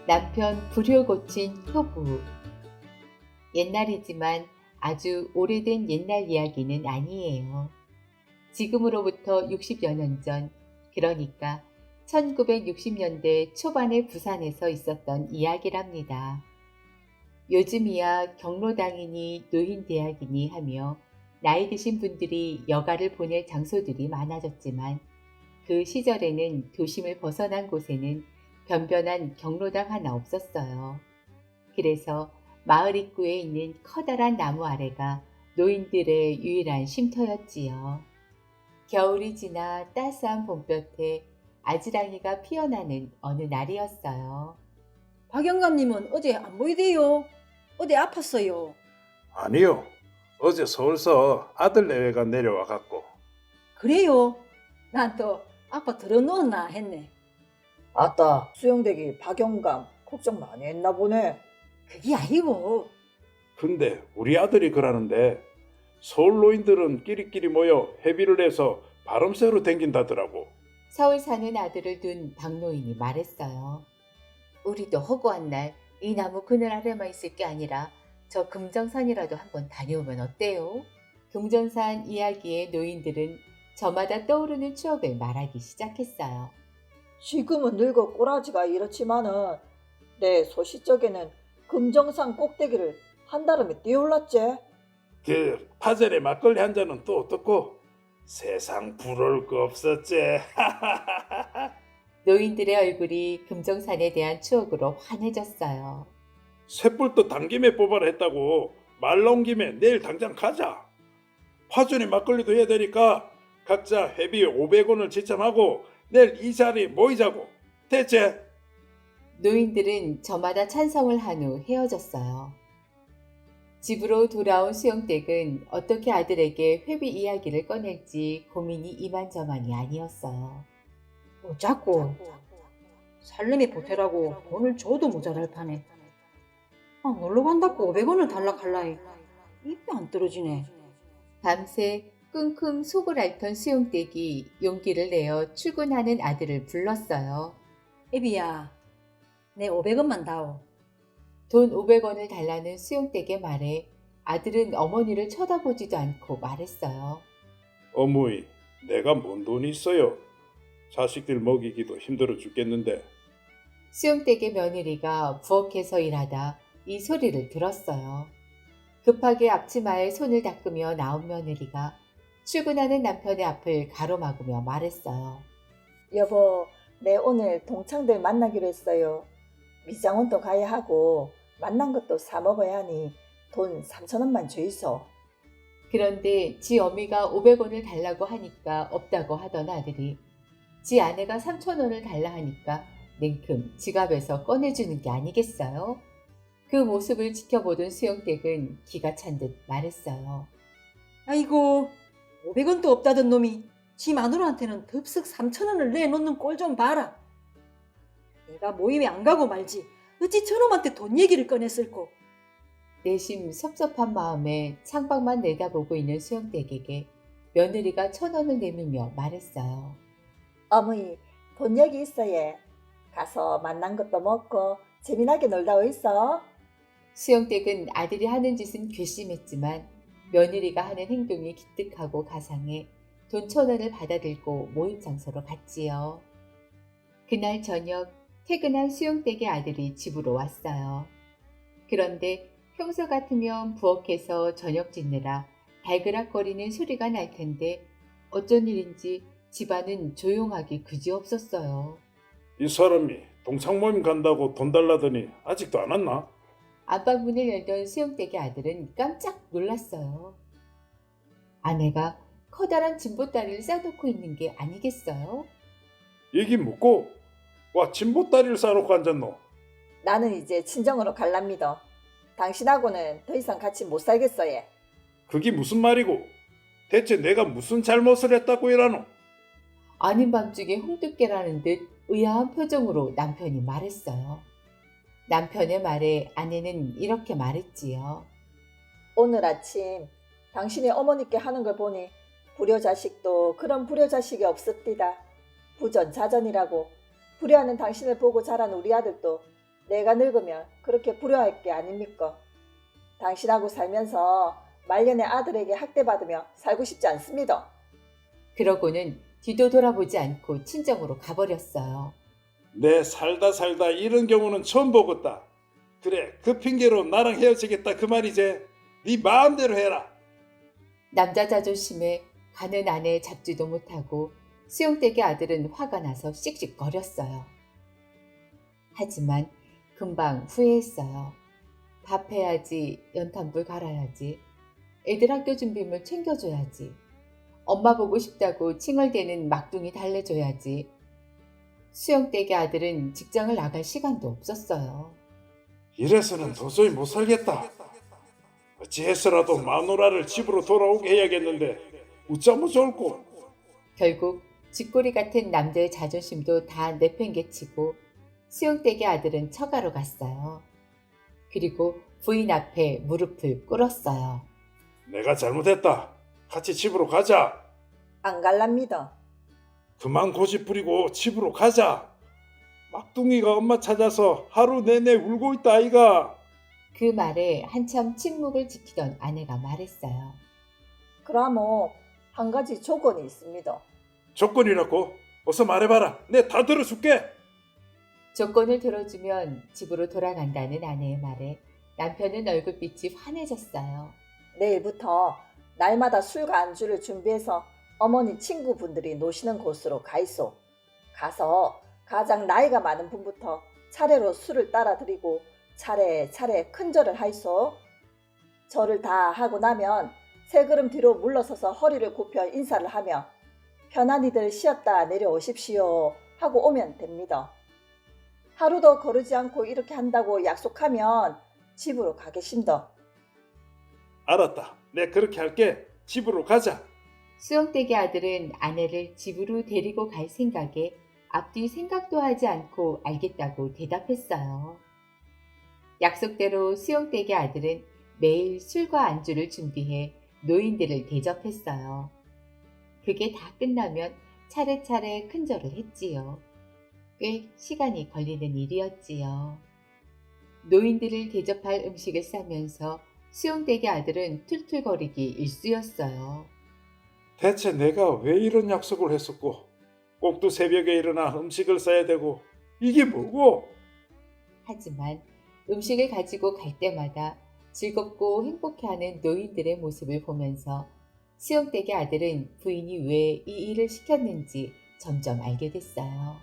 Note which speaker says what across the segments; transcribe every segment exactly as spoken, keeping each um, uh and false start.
Speaker 1: 남편 불효 고친 효부. 옛날이지만 아주 오래된 옛날 이야기는 아니에요. 지금으로부터 육십여 년 전, 그러니까 천구백육십 년대 초반의 부산에서 있었던 이야기랍니다. 요즘이야 경로당이니 노인대학이니 하며 나이 드신 분들이 여가를 보낼 장소들이 많아졌지만 그 시절에는 도심을 벗어난 곳에는 변변한 경로당 하나 없었어요. 그래서 마을 입구에 있는 커다란 나무 아래가 노인들의 유일한 쉼터였지요. 겨울이 지나 따스한 봄볕에 아지랑이가 피어나는 어느 날이었어요.
Speaker 2: 박 영감님은 어제 안 보이대요. 어디 아팠어요.
Speaker 3: 아니요. 어제 서울서 아들 내외가 내려와 갖고.
Speaker 2: 그래요? 난 또 아빠 들어놓았나 했네.
Speaker 4: 아따, 수영대기 박영감 걱정 많이 했나 보네.
Speaker 2: 그게 아니고
Speaker 3: 근데 우리 아들이 그러는데 서울 노인들은 끼리끼리 모여 회비를 내서 바람 쐬러 댕긴다더라고.
Speaker 1: 서울 사는 아들을 둔 박노인이 말했어요. 우리도 허구한 날 이 나무 그늘 아래만 있을 게 아니라 저 금정산이라도 한번 다녀오면 어때요? 금정산 이야기의 노인들은 저마다 떠오르는 추억을 말하기 시작했어요.
Speaker 4: 지금은 늙어 꼬라지가 이렇지만은 내 소시적에는 금정산 꼭대기를 한다름에 뛰어올랐지.
Speaker 3: 그 파절에 막걸리 한 잔은 또 어떻고? 세상 부러울 거 없었지.
Speaker 1: 노인들의 얼굴이 금정산에 대한 추억으로 환해졌어요.
Speaker 3: 쇳불도 당김에 뽑아라 했다고. 말 나온 김에 내일 당장 가자. 파전에 막걸리도 해야 되니까 각자 회비 오백 원을 지참하고 내일 이 자리에 모이자고. 대체?
Speaker 1: 노인들은 저마다 찬성을 한 후 헤어졌어요. 집으로 돌아온 수영댁은 어떻게 아들에게 회비 이야기를 꺼낼지 고민이 이만저만이 아니었어요.
Speaker 2: 뭐 자꾸 살림이 보태라고 돈을 줘도 모자랄 판에 아, 놀러 간다고 오백 원을 달라 할라이 입이 안 떨어지네.
Speaker 1: 밤새 끙끙 속을 앓던 수용댁이 용기를 내어 출근하는 아들을 불렀어요.
Speaker 2: 애비야, 내 오백 원만 다오.
Speaker 1: 돈 오백 원을 달라는 수용댁의 말에 아들은 어머니를 쳐다보지도 않고 말했어요.
Speaker 3: 어머니, 내가 뭔 돈이 있어요. 자식들 먹이기도 힘들어 죽겠는데.
Speaker 1: 수용댁의 며느리가 부엌에서 일하다 이 소리를 들었어요. 급하게 앞치마에 손을 닦으며 나온 며느리가 출근하는 남편의 앞을 가로막으며 말했어요.
Speaker 4: 여보, 내 오늘 동창들 만나기로 했어요. 미장원도 가야 하고 만난 것도 사 먹어야 하니 돈 삼천 원만 주이소.
Speaker 1: 그런데 지 어미가 오백 원을 달라고 하니까 없다고 하던 아들이 지 아내가 삼천 원을 달라 하니까 냉큼 지갑에서 꺼내주는 게 아니겠어요? 그 모습을 지켜보던 수영댁은 기가 찬 듯 말했어요.
Speaker 2: 아이고, 오백 원도 없다던 놈이 지 마누라한테는 덥석 삼천 원을 내놓는 꼴 좀 봐라. 내가 모임에 안 가고 말지 어찌 저놈한테 돈 얘기를 꺼냈을꼬.
Speaker 1: 내심 섭섭한 마음에 창밖만 내다보고 있는 수영댁에게 며느리가 천 원을 내밀며 말했어요.
Speaker 4: 어머니, 돈 여기 있어 예. 가서 만난 것도 먹고 재미나게 놀다 오이소.
Speaker 1: 수영댁은 아들이 하는 짓은 괘씸했지만 며느리가 하는 행동이 기특하고 가상해 돈 천 원을 받아들고 모임 장소로 갔지요. 그날 저녁 퇴근한 수영댁의 아들이 집으로 왔어요. 그런데 평소 같으면 부엌에서 저녁 짓느라 발그락거리는 소리가 날 텐데 어쩐 일인지 집안은 조용하기 그지없었어요.
Speaker 3: 이 사람이 동창 모임 간다고 돈 달라더니 아직도 안 왔나?
Speaker 1: 안방문을 열던 수영댁의 아들은 깜짝 놀랐어요. 아내가 커다란 진보다리를 싸놓고 있는 게 아니겠어요?
Speaker 3: 얘기 묻고 와 진보다리를 싸놓고 앉았노.
Speaker 4: 나는 이제 친정으로 갈랍니다. 당신하고는 더 이상 같이 못 살겠어 예.
Speaker 3: 그게 무슨 말이고? 대체 내가 무슨 잘못을 했다고 이라노?
Speaker 1: 아닌 밤중에 홍두깨라는 듯 의아한 표정으로 남편이 말했어요. 남편의 말에 아내는 이렇게 말했지요.
Speaker 4: 오늘 아침 당신이 어머니께 하는 걸 보니 불효자식도 그런 불효자식이 없었디다. 부전자전이라고. 불효하는 당신을 보고 자란 우리 아들도 내가 늙으면 그렇게 불효할 게 아닙니까? 당신하고 살면서 말년의 아들에게 학대받으며 살고 싶지 않습니다.
Speaker 1: 그러고는 뒤도 돌아보지 않고 친정으로 가버렸어요.
Speaker 3: 내 살다 살다 이런 경우는 처음 보겠다. 그래, 그 핑계로 나랑 헤어지겠다 그 말이지. 네 마음대로 해라.
Speaker 1: 남자 자존심에 가는 아내 잡지도 못하고 수용댁의 아들은 화가 나서 씩씩거렸어요. 하지만 금방 후회했어요. 밥 해야지, 연탄불 갈아야지, 애들 학교 준비물 챙겨줘야지, 엄마 보고 싶다고 칭얼대는 막둥이 달래줘야지. 수영댁의 아들은 직장을 나갈 시간도 없었어요.
Speaker 3: 이래서는 도저히 못 살겠다. 어찌해서라도 마누라를 집으로 돌아오게 해야겠는데 어쩌면 좋을꼬.
Speaker 1: 결국 쥐꼬리 같은 남자의 자존심도 다 내팽개치고 수영댁의 아들은 처가로 갔어요. 그리고 부인 앞에 무릎을 꿇었어요.
Speaker 3: 내가 잘못했다. 같이 집으로 가자.
Speaker 4: 안 갈랍니다.
Speaker 3: 그만 고집 부리고 집으로 가자. 막둥이가 엄마 찾아서 하루 내내 울고 있다 아이가.
Speaker 1: 그 말에 한참 침묵을 지키던 아내가 말했어요.
Speaker 4: 그러면 한 가지 조건이 있습니다.
Speaker 3: 조건이라고? 어서 말해봐라. 내 다 들어줄게.
Speaker 1: 조건을 들어주면 집으로 돌아간다는 아내의 말에 남편은 얼굴빛이 환해졌어요.
Speaker 4: 내일부터 날마다 술과 안주를 준비해서 어머니 친구분들이 노시는 곳으로 가이소. 가서 가장 나이가 많은 분부터 차례로 술을 따라 드리고 차례차례 큰절을 하이소. 절을 다 하고 나면 세 걸음 뒤로 물러서서 허리를 굽혀 인사를 하며 편안히들 쉬었다 내려오십시오 하고 오면 됩니다. 하루도 거르지 않고 이렇게 한다고 약속하면 집으로 가계신다.
Speaker 3: 알았다. 내 그렇게 할게. 집으로 가자.
Speaker 1: 수영댁의 아들은 아내를 집으로 데리고 갈 생각에 앞뒤 생각도 하지 않고 알겠다고 대답했어요. 약속대로 수영댁의 아들은 매일 술과 안주를 준비해 노인들을 대접했어요. 그게 다 끝나면 차례차례 큰절을 했지요. 꽤 시간이 걸리는 일이었지요. 노인들을 대접할 음식을 싸면서 수용댁의 아들은 툴툴거리기 일쑤였어요.
Speaker 3: 대체 내가 왜 이런 약속을 했었고 꼭두 새벽에 일어나 음식을 싸야 되고 이게 뭐고?
Speaker 1: 하지만 음식을 가지고 갈 때마다 즐겁고 행복해하는 노인들의 모습을 보면서 수용댁의 아들은 부인이 왜 이 일을 시켰는지 점점 알게 됐어요.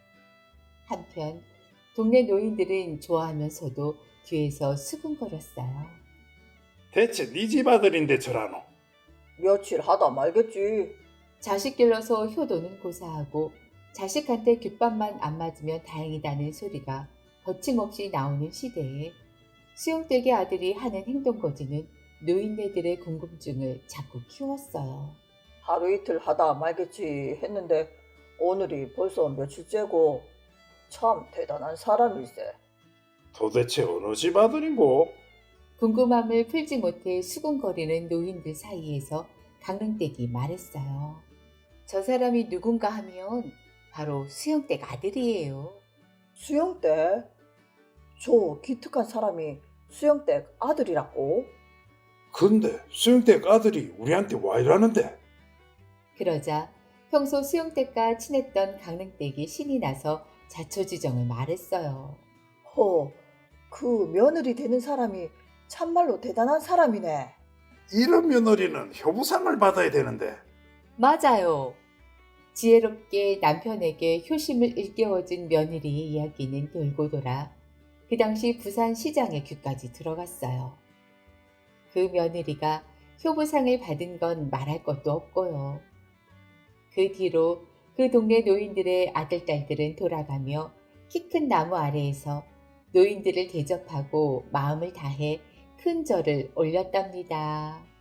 Speaker 1: 한편 동네 노인들은 좋아하면서도 뒤에서 수근거렸어요.
Speaker 3: 대체 네 집 아들인데 저라노.
Speaker 4: 며칠 하다 말겠지.
Speaker 1: 자식 길러서 효도는 고사하고 자식한테 귓밥만 안 맞으면 다행이다는 소리가 거침없이 나오는 시대에 수용댁의 아들이 하는 행동거지는 노인네들의 궁금증을 자꾸 키웠어요.
Speaker 4: 하루 이틀 하다 말겠지 했는데 오늘이 벌써 며칠째고 참 대단한 사람일세.
Speaker 3: 도대체 어느 집 아들인고?
Speaker 1: 궁금함을 풀지 못해 수군거리는 노인들 사이에서 강릉댁이 말했어요. 저 사람이 누군가 하면 바로 수영댁 아들이에요.
Speaker 4: 수영댁? 저 기특한 사람이 수영댁 아들이라고?
Speaker 3: 근데 수영댁 아들이 우리한테 와 이러는데.
Speaker 1: 그러자 평소 수영댁과 친했던 강릉댁이 신이 나서 자초지정을 말했어요.
Speaker 4: 허, 그 며느리 되는 사람이 참말로 대단한 사람이네.
Speaker 3: 이런 며느리는 효부상을 받아야 되는데.
Speaker 1: 맞아요. 지혜롭게 남편에게 효심을 일깨워준 며느리의 이야기는 돌고 돌아 그 당시 부산 시장의 귀까지 들어갔어요. 그 며느리가 효부상을 받은 건 말할 것도 없고요. 그 뒤로 그 동네 노인들의 아들, 딸들은 돌아가며 키 큰 나무 아래에서 노인들을 대접하고 마음을 다해 큰 절을 올렸답니다.